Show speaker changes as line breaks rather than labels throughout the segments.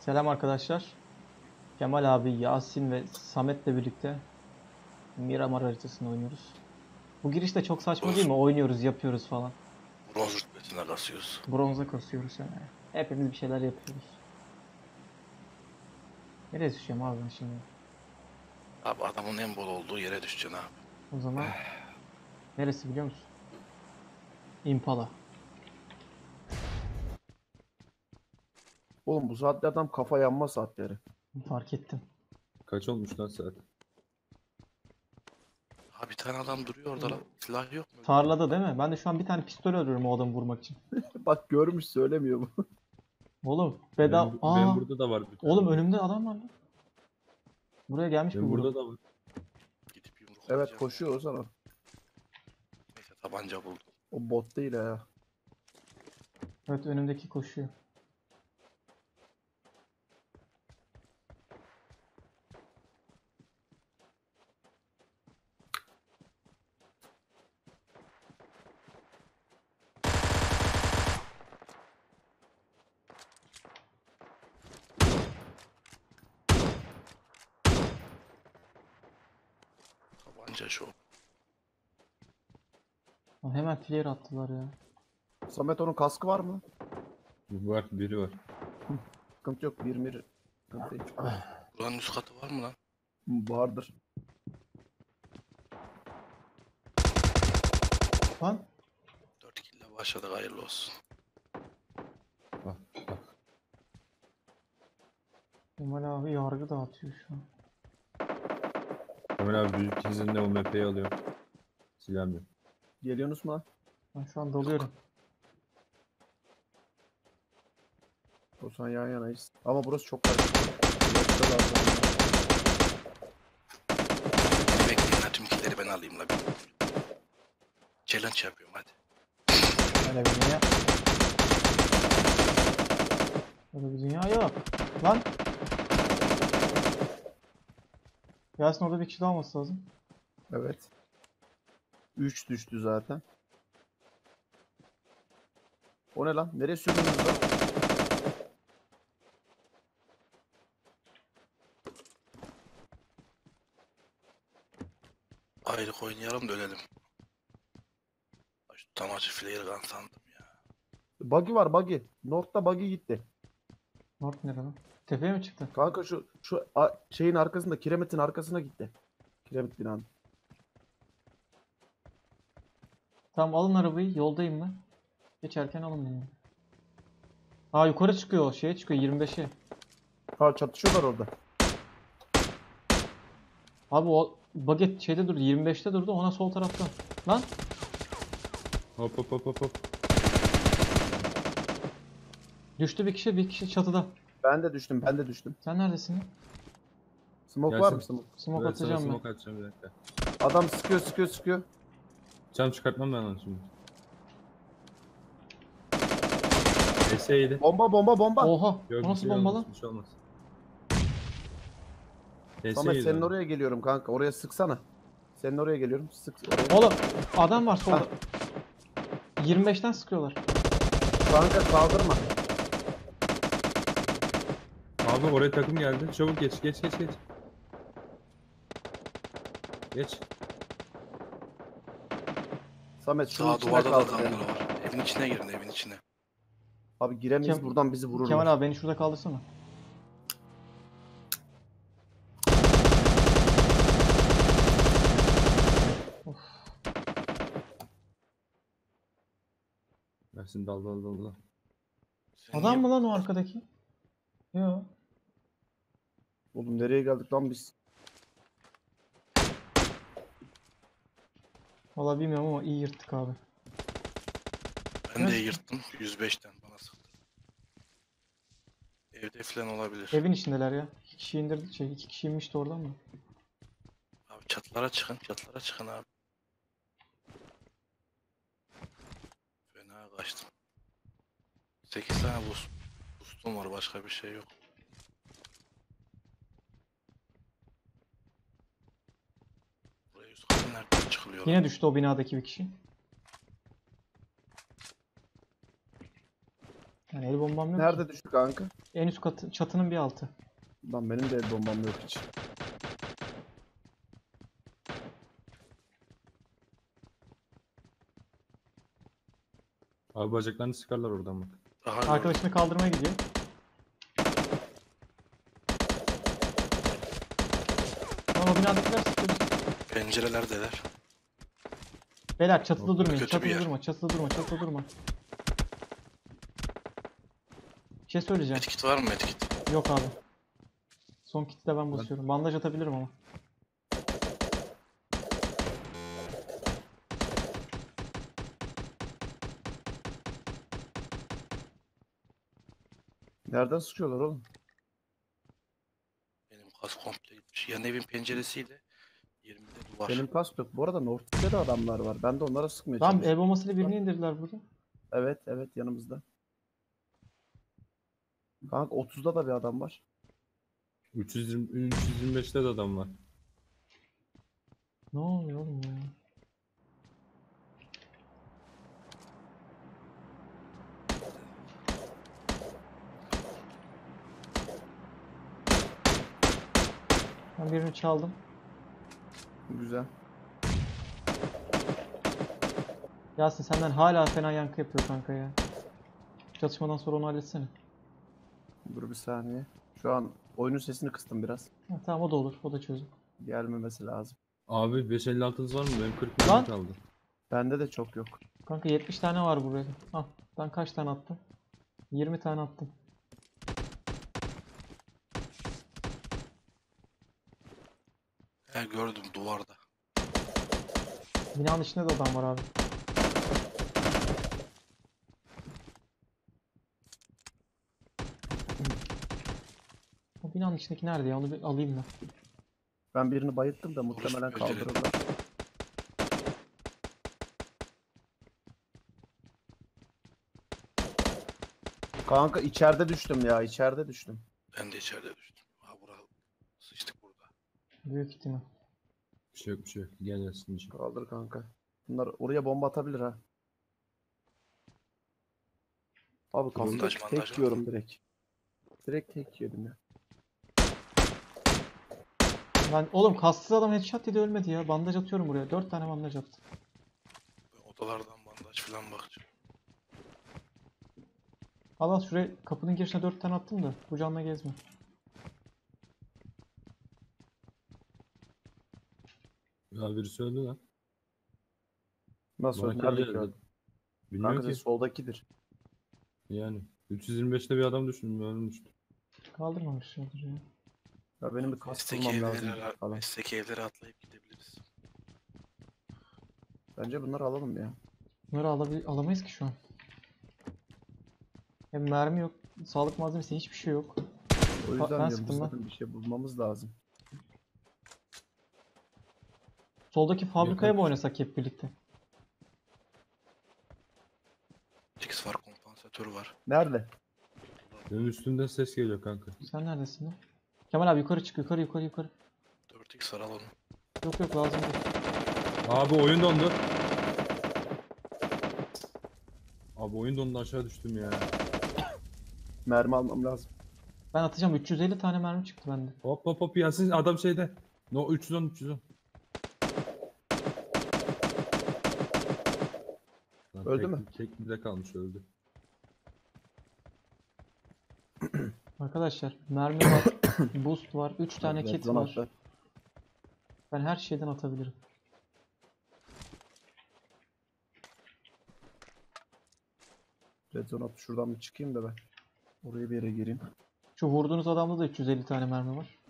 Selam arkadaşlar. Kemal abi, Yasin ve Samet'le birlikte Miramar haritasını oynuyoruz. Bu giriş de çok saçma değil
Bronz,
mi? Oynuyoruz, yapıyoruz falan.
bronz rütbesine kasıyoruz.
Bronza kasıyoruz yani. Hepimiz bir şeyler yapıyoruz. Nereye düşeceğim abi ben şimdi?
Abi adamın en bol olduğu yere düşeceksin abi.
O zaman neresi biliyor musun? Impala.
Oğlum bu saatte adam kafa yanma saatleri.
Fark ettim.
Kaç olmuş lan saat?
Ha bir tane adam duruyor orada lan. Silah yok mu?
Tarlada değil mi? Ben de şu an bir tane pistol arıyorum o adamı vurmak için.
Bak görmüş söylemiyor bu.
Oğlum
Benim,
bedava...
benim burada da var bir tane.
Oğlum önümde adam var lan. Buraya gelmiş
Benim
mi
burada da var.
Gidip yumruk
Evet
atacağım.
koşuyor o sana.
Neyse tabanca buldum.
O bot değil ha.
Evet önümdeki koşuyor.
Tabanca şu.
Lan hemen flare attılar ya.
Samet onun kaskı var mı?
Var, biri var.
Sıkıntı yok. Bir mir. Sıkıntı yok.
Buranın üst katı var mı lan?
Vardır.
Lan
4 kille başladık, hayırlı olsun.
Bak, bak.
Kemal abi yargı dağıtıyor şu an.
Ömer abi büyük izinle o MP'yi alıyor. Silahım yok.
Geliyorsunuz mu lan?
Ben şu an dalıyorum.
O zaman yan yanayız. Ama burası çok karışık. Yoksa lazım.
Bekleyin ha, tüm killeri ben alayım la. Challenge yapıyorum hadi.
Öyle bir dünya. Öyle bir dünya yok. Lan. Yasin orada bir kişi daha olması lazım.
Evet. 3 düştü zaten. O ne lan? Nereye sürdünüz lan?
Ayrık oynayalım da ölelim. Şu tam acı flare gun sandım ya.
Buggy var buggy. North'ta buggy gitti.
North nerede lan? Tepeye mi çıktı?
Kanka şu şeyin arkasında, kiremitin arkasına gitti. Kiremit binanın.
Tamam alın arabayı. Yoldayım ben. Geçerken alın beni. Aa yukarı çıkıyor. Şeye çıkıyor 25'e.
Ha çatışıyorlar orada.
Abi o baget şeyde durdu. 25'te durdu. Ona sol tarafta. Lan.
Hop hop hop hop hop.
Düştü bir kişi. Bir kişi çatıda.
Ben de düştüm, ben de düştüm.
Sen neredesin?
Smoke
Gelsin.
var mı smoke?
Smoke
Evet, sana
atacağım ben.
smoke atacağım bir dakika.
Adam sıkıyor.
Cam çıkartmam ben onu şimdi. Eseydi.
Bomba.
Oha.
Yok,
O
bir
nasıl
şey
bomba
olmaz,
lan?
bir şey olmaz.
Samet
Eseydi
senin
abi.
oraya geliyorum kanka. Oraya sıksana. Senin oraya geliyorum. Sık oraya.
Oğlum adam var solda. 25'ten sıkıyorlar.
Kanka kaldırma.
Abi oraya takım geldi. Çabuk geç. Geç.
Samet şunun
Sağ
içine
duvarda da
kaldı.
adamlar var. Evin içine girin, evin içine.
Abi giremeyiz buradan bizi vururlar.
Kemal abi beni şurada kaldırsana.
Versin dal.
Sen
Adam
niye-
mı lan o arkadaki? Yo.
Oğlum nereye geldik lan biz?
Vallahi bilmiyorum ama iyi yırttık abi.
Ben de yırttım 105'ten bana sıktı. Evde falan olabilir.
Evin içindeler ya. 2 kişi indirdi. Şey 2 kişi inmişti oradan mı?
Abi çatılara çıkın abi. Fena kaçtım. 8 tane boostum var, başka bir şey yok. Buraya üst katı nereden çıkılıyor?
Yine düştü o binadaki bir kişi. Yani el bombam yok ki.
Nerede düştü kanka?
En üst katı, çatının bir altı.
Lan benim de el bombam yok hiç.
Abi bacaklarını sıkarlar oradan bak.
Daha gördüm.
Arkadaşını kaldırmaya gidiyor. Tamam, o binadakiler sıkıyor.
Pencerelerdeler.
Beyler çatıda
Yok,
durmayın.
kötü bir
Çatıda
yer.
durma. Çatıda durma. Çatıda durma. Bir şey söyleyeceğim.
Medkit var mı medkit?
Yok abi. Son kiti de ben basıyorum. Bandaj atabilirim ama.
Nereden sıkıyorlar oğlum?
Benim kas komple gitmiş. Yan evin penceresiyle 20'de duvar.
Benim kask yok. Bu arada North'ta da adamlar var. Ben de onlara sıkmaya
Tamam,
çalışıyorum.
el bombasıyla birini indirdiler burada.
Evet evet yanımızda. Kanka 30'da da bir adam var.
325'te de adam var.
Ne oluyor oğlum ya? Ben birini çaldım.
Güzel.
Yasin senden hala fena yankı yapıyor kanka ya. Çatışmadan sonra onu halletsene.
Dur bir saniye. Şu an oyunun sesini kıstım biraz.
Ha, tamam, o da olur. O da çözüm.
Gelmemesi lazım.
Abi 556'nız var mı? Benim 40
Lan!
mermi kaldı.
Bende de çok yok.
Kanka 70 tane var buraya. Al. Ben kaç tane attım? 20 tane attım.
He gördüm duvarda.
Binanın içinde de adam var abi. O binanın içindeki nerede ya? Onu bir alayım ben.
Ben birini bayılttım da muhtemelen
Orospu çocuğu.
kaldırırlar. Kanka içeride düştüm ya. İçeride düştüm.
Ben de içeride düştüm. Ha sıçtık burada.
Büyük ihtimal.
Bir şey yok bir şey yok. Gel Yasin.
Kaldır kanka. Bunlar oraya bomba atabilir ha. Abi
Bandaj,
kaskı
bandaj
tek
var.
yiyorum direkt. Direkt tek yedim ya.
Oğlum kastsız adam headshot dedi, ölmedi ya. Bandaj atıyorum buraya. 4 tane bandaj attım.
Ben odalardan bandaj falan bakacağım.
Al şuraya, kapının girişine 4 tane attım da bu canla gezme.
Ya birisi öldü lan.
Nasıl?
Bana
Nerede
geldi.
gördün?
Bilmiyorum
Kanka
ki.
sen soldakidir.
Yani 325'te bir adam düştüm. Ölmüştü.
Kaldırmamışlardır ya.
Ya benim bir kask
Mesleki
bulmam lazım
evlere,
falan.
mesleki evlere atlayıp gidebiliriz.
Bence bunları alalım ya.
Bunları alamayız ki şu an. Hem mermi yok. Sağlık malzemesi, hiçbir şey yok.
O yüzden
ben
diyorum
sıktım
biz
lan.
zaten bir şey bulmamız lazım.
Soldaki fabrikaya mı
Yakın.
oynasak hep birlikte?
X var, kompansatör var.
Nerede?
Benim üstümden ses geliyor kanka.
Sen neredesin lan? Kemal abi yukarı çık, yukarı yukarı yukarı.
4X var, al onu.
Yok yok, lazım değil.
Abi oyun dondu. Abi oyun dondu, aşağı düştüm ya.
Mermi almam lazım.
Ben atacağım, 350 tane mermi çıktı bende.
Hop hop hop Yasin, adam şeyde. No 310. Lan
Öldü
tek,
mü?
Tek bir de kalmış, öldü.
Arkadaşlar mermi var, boost var, 3 tane
Red
kit
zone
var.
attı.
Ben her şeyden atabilirim.
Red zone attı. Şuradan bir çıkayım da ben. Oraya bir yere gireyim.
Şu vurduğunuz adamda da 350 tane mermi var.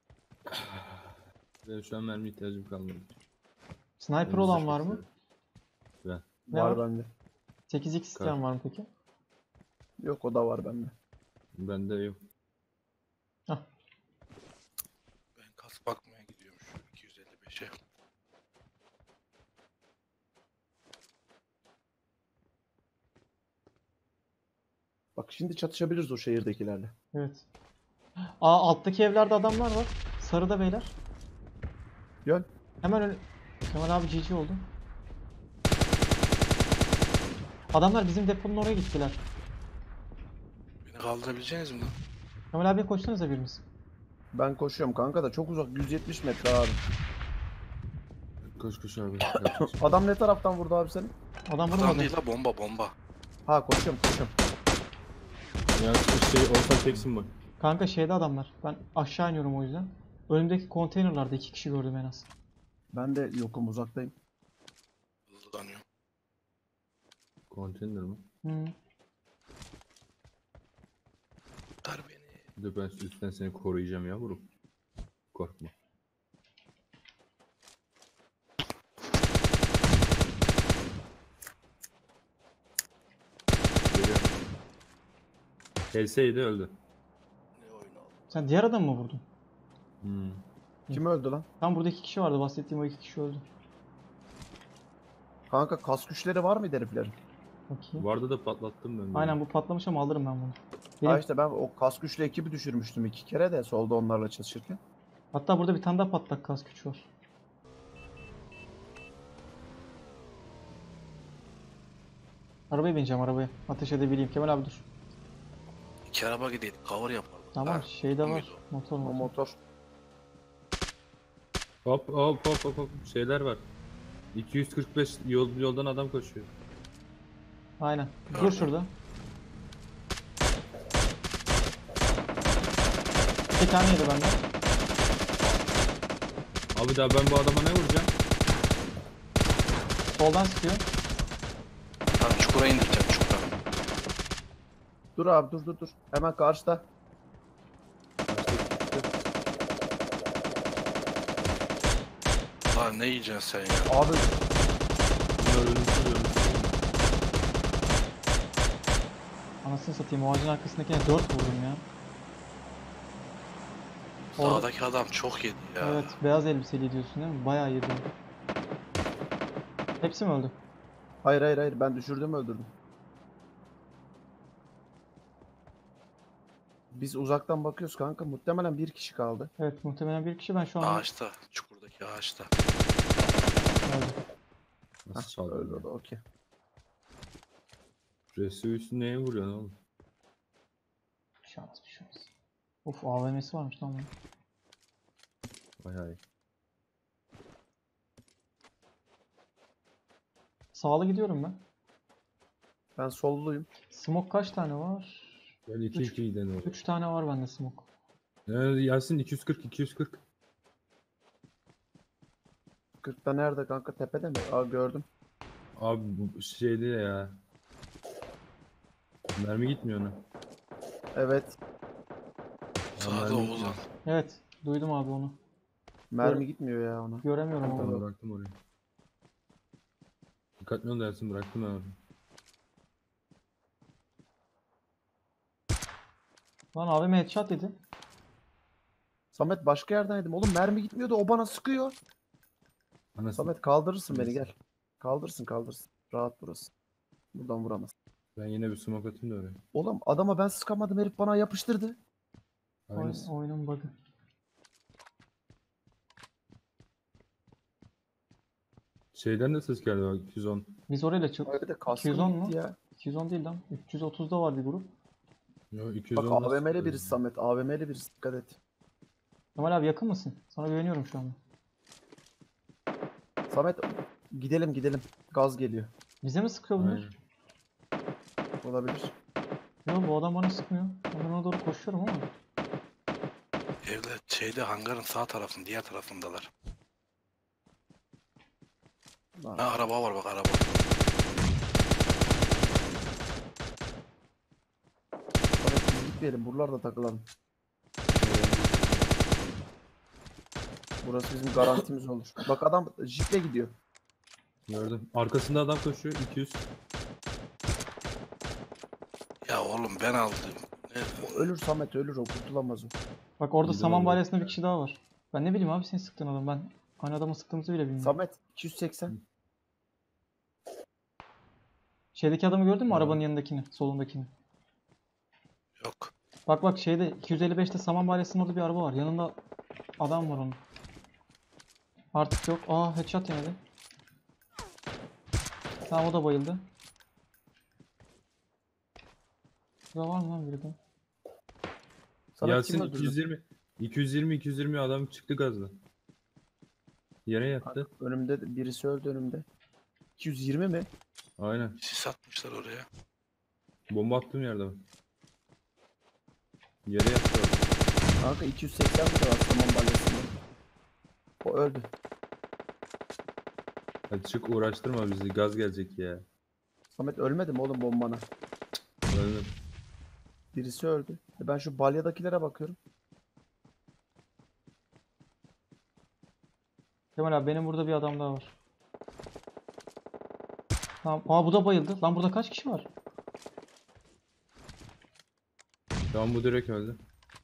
Benim şu an mermi ihtiyacım kalmadı.
Sniper
Önümüzde
olan
çok
var mı?
seviyorum. Ben.
Ne
var
var?
bende.
8x isteyen var mı peki?
Yok o da var bende.
Bende yok.
Hah.
Ben kask bakmaya gidiyorum şu 255'e.
Bak şimdi çatışabiliriz o şehirdekilerle.
Evet. Alttaki evlerde adamlar var. Sarıda beyler.
Gel.
Hemen öyle. Kemal abi GG oldu. Adamlar bizim deponun oraya gittiler.
kaldırabileceğiniz mi lan?
Kemal abiye koşsanıza biriniz.
Ben koşuyorum kanka da çok uzak 170 metre abi.
Koş koş abi. Yapacak.
Adam ne taraftan vurdu abi seni?
Adam
Adam
vurmadı.
değil la, bomba bomba.
Ha koşuyorum koşuyorum.
Ya şey olsa teksin bak.
Kanka şeyde adamlar. Ben aşağı iniyorum o yüzden. Önümdeki konteynerlarda 2 kişi gördüm en az.
Ben de yokum uzaktayım.
Hızlanıyor.
Konteyner mi?
Hı.
Ver beni.
Bir de ben üstten seni koruyacağım yavrum. Korkma. Geliyorum. Helseydi öldü.
Ne oyun oldu?
Sen diğer adamı mı vurdun?
Hmm.
Kim öldü lan?
Tam burada 2 kişi vardı. Bahsettiğim o 2 kişi öldü.
Kanka kas güçleri var mıydı heriflerin?
Bakayım.
Vardı da patlattım ben.
Aynen bu patlamış ama alırım ben bunu.
Ha
Benim,
işte ben o kas güçlü ekibi düşürmüştüm 2 kere de solda onlarla çalışırken.
hatta burada bir tane daha patlak kas güç var. Arabaya bineceğim arabaya. Ateş edebileyim. Kemal abi dur.
İki araba gidelim. Cover yapalım.
Tamam
Ha,
şey de
o
var.
muydu?
Motor
O
motor.
motor.
Hop hop hop hop hop. Şeyler var. 245 yoldan adam koşuyor.
Aynen. Dur
Gördüm.
şurada. 2 tane yedi benden.
Abi daha ben bu adama ne vuracağım?
Soldan sıkıyor.
Tamam, çukura indireceğim, çukura.
Dur abi dur. Hemen karşıda.
Lan ne yiyeceksin sen ya?
Abi
Bunlar ölümsüz ölümsüz.
Anasını satayım. O ağacın arkasındakine 4 vurdum ya. Orada-
Sağdaki adam çok yedi ya.
Evet. Beyaz elbiseli diyorsun değil mi? Bayağı yedi. Hepsi mi öldü?
hayır ben düşürdüm öldürdüm. Biz uzaktan bakıyoruz kanka. Muhtemelen bir kişi kaldı.
Evet. Muhtemelen bir kişi. Ben şu an
Ağaçta, çukurdaki ağaçta.
öldü.
Nasıl
Öldü
çaldı?
o da okey.
Resüsü neye vuruyorsun oğlum?
Bir şey olmaz. Of AVM'si varmış lan bunun.
Vay hay.
Sağlı gidiyorum ben.
Ben solluyum.
Smoke kaç tane var?
Ben 2-2 giden oldu.
3 tane var bende smoke.
Yasin 240.
40'ta nerede kanka? Tepede mi? Aa gördüm.
Abi bu şeydi ya. Mermi gitmiyor ona.
Evet.
Sağda
mermi
Oğuzhan.
gitmiyor.
Evet. Duydum abi onu.
Mermi gitmiyor ya ona.
Göremiyorum
Ben
ama.
bıraktım orayı. Dikkatli ol dersin, bıraktım ben orayı.
Lan AVM headshot yedi.
Samet başka yerden yedim. Oğlum mermi gitmiyordu. O bana sıkıyor.
Anasını.
Samet kaldırırsın beni gel. Kaldırsın. Rahat burası. Buradan vuramaz.
Ben yine bir smoke atayım da oraya.
Oğlum adama ben sıkamadım. Herif bana yapıştırdı.
Aynısı.
Oyunun bug'ı.
Şeyden de ses geldi bak 210.
Biz orayla çok...
Öyle de kaskım
210
gitti
mu?
ya.
210 değil lan. 330'da var bir grup.
Yo
Bak
210
AVM'li birisi Samet. AVM'li birisi. Dikkat et.
Kemal abi yakın mısın? Sana güveniyorum şu an.
Samet gidelim. Gaz geliyor.
Bize mi sıkıyor bunlar?
Aynen.
Olabilir.
Yok bu adam bana sıkmıyor. Ben ona doğru koşuyorum ama.
Evde şeyde, hangarın sağ tarafında, diğer tarafındalar.
Lan,
Ha, araba var bak, araba.
Samet biz gitmeyelim. Buralarda takılalım. Burası bizim garantimiz olur. Bak adam jiple gidiyor.
Gördüm. Arkasında adam koşuyor 200.
Ya oğlum ben aldım. Ne?
O ölür Samet ölür o kurtulamaz o.
Bak orada
İyi de
saman
oldu.
balyasında bir kişi daha var. Ben ne bileyim abi senin sıktığın adam. Ben aynı adamı sıktığımızı bile bilmiyorum.
Samet 280.
Şeydeki adamı gördün mü?
Tamam.
Arabanın yanındakini, solundakini.
Yok.
Bak şeyde 255'te saman balyasının orada bir araba var. Yanında adam var onun. Artık yok. Aa headshot yemedi. Tamam o da bayıldı. Burada var mı lan biri de?
Samet kim
Yasin
öldürdü?
220 adam çıktı gazla. Yere yattı.
Önümde birisi öldü önümde. 220 mi?
Aynen.
Sis atmışlar oraya.
Bomba attığım yerde var. Yere yattı orada.
Kanka 280 mi de var saman balyasında. O öldü.
Hadi çık uğraştırma bizi. Gaz gelecek ya.
Samet ölmedi mi oğlum bombana?
Öldüm.
Birisi öldü. Ben şu balyadakilere bakıyorum.
Kemal abi benim burada bir adam daha var. Tamam. Aa bu da bayıldı. Lan burada kaç kişi var?
Tamam bu direkt öldü.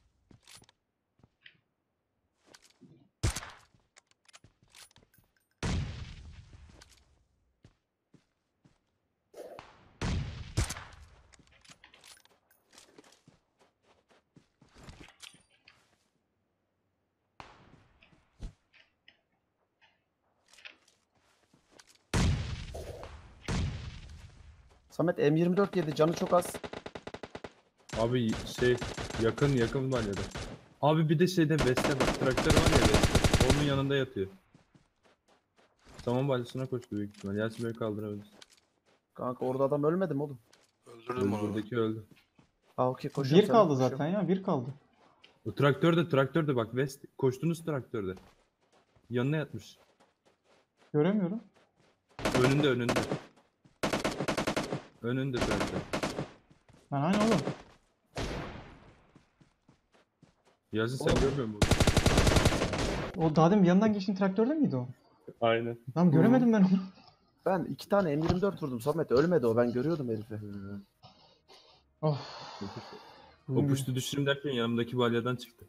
Samet M24 yedi canı çok az.
Abi şey yakın var ya da. Abi bir de şeyde Veste bak traktör var ya Veste. Onun yanında yatıyor. Saman balyasına koştu büyük ihtimal. Yasin Bey kaldırabilir.
Kanka orada adam ölmedi mi oğlum?
Öldürdüm onu.
Buradaki öldü.
Aa okey koşuyorum
Bir
sana,
kaldı
koşuyorum.
zaten ya. Bir kaldı.
O traktörde bak West. Koştunuz traktörde. Yanına yatmış.
Göremiyorum.
Önünde. Önünde traktör.
Ben hani oğlum.
Yasin sen
Oğlum.
görmüyor musun?
O daha demin yanından geçtiğin traktörde miydi o?
Aynen.
Lan göremedim ben onu.
Ben 2 tane M24 vurdum Samet ölmedi o ben görüyordum herifi.
Of.
O puştu düşürüm derken yanımdaki balyadan çıktı.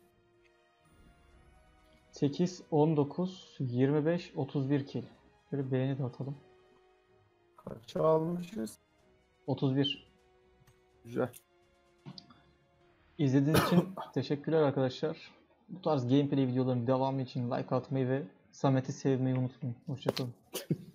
8, 19, 25, 31 kill. Şöyle beğeni de atalım.
Kaç almışız?
31.
Güzel.
İzlediğiniz için teşekkürler arkadaşlar. Bu tarz gameplay videoların devamı için like atmayı ve Samet'i sevmeyi unutmayın. Hoşçakalın.